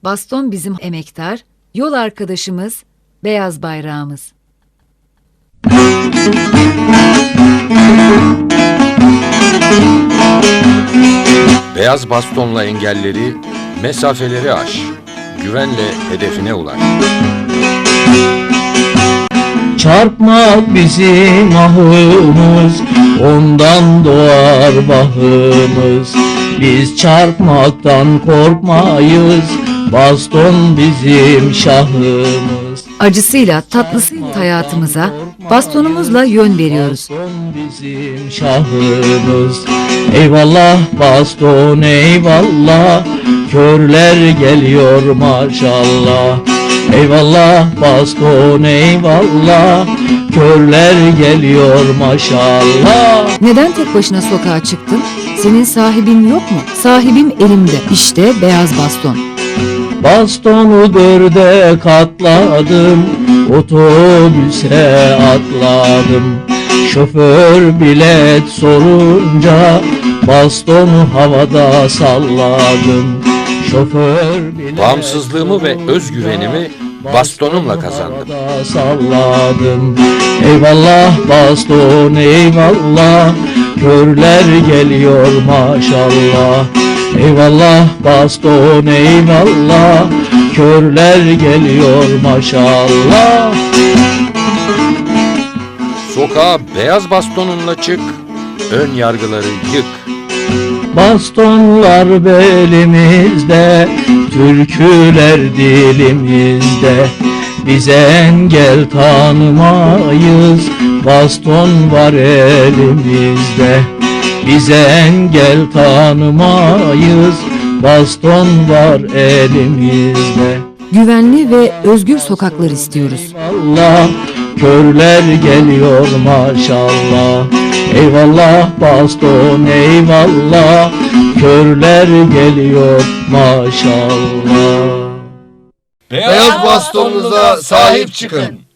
Baston bizim emektar, yol arkadaşımız, beyaz bayrağımız. Beyaz bastonla engelleri, mesafeleri aş. Güvenle hedefine ulaş. Çarpmak bizim ahımız, ondan doğar bahımız. Biz çarpmaktan korkmayız, baston bizim şahımız. Acısıyla, tatlısıyla hayatımıza, bastonumuzla yön veriyoruz. Baston bizim şahımız. Eyvallah baston eyvallah, körler geliyor maşallah. Eyvallah baston eyvallah, körler geliyor maşallah. Neden tek başına sokağa çıktın? Senin sahibin yok mu? Sahibim elimde. İşte beyaz baston. Bastonu dörde katladım, otobüse atladım. Şoför bilet sorunca bastonu havada salladım. Şoför bilet Bağımsızlığımı ve özgüvenimi bastonumla kazandım. havada salladım. Eyvallah baston eyvallah, körler geliyor maşallah. Eyvallah baston eyvallah, körler geliyor maşallah. Sokağa beyaz bastonunla çık, ön yargıları yık. Bastonlar belimizde, türküler dilimizde. Biz engel tanımayız, baston var elimizde. Biz engel tanımayız, baston var elimizde. Güvenli ve özgür sokaklar istiyoruz. Eyvallah, körler geliyor maşallah. Eyvallah baston eyvallah, körler geliyor maşallah. Beyaz bastonunuza sahip çıkın.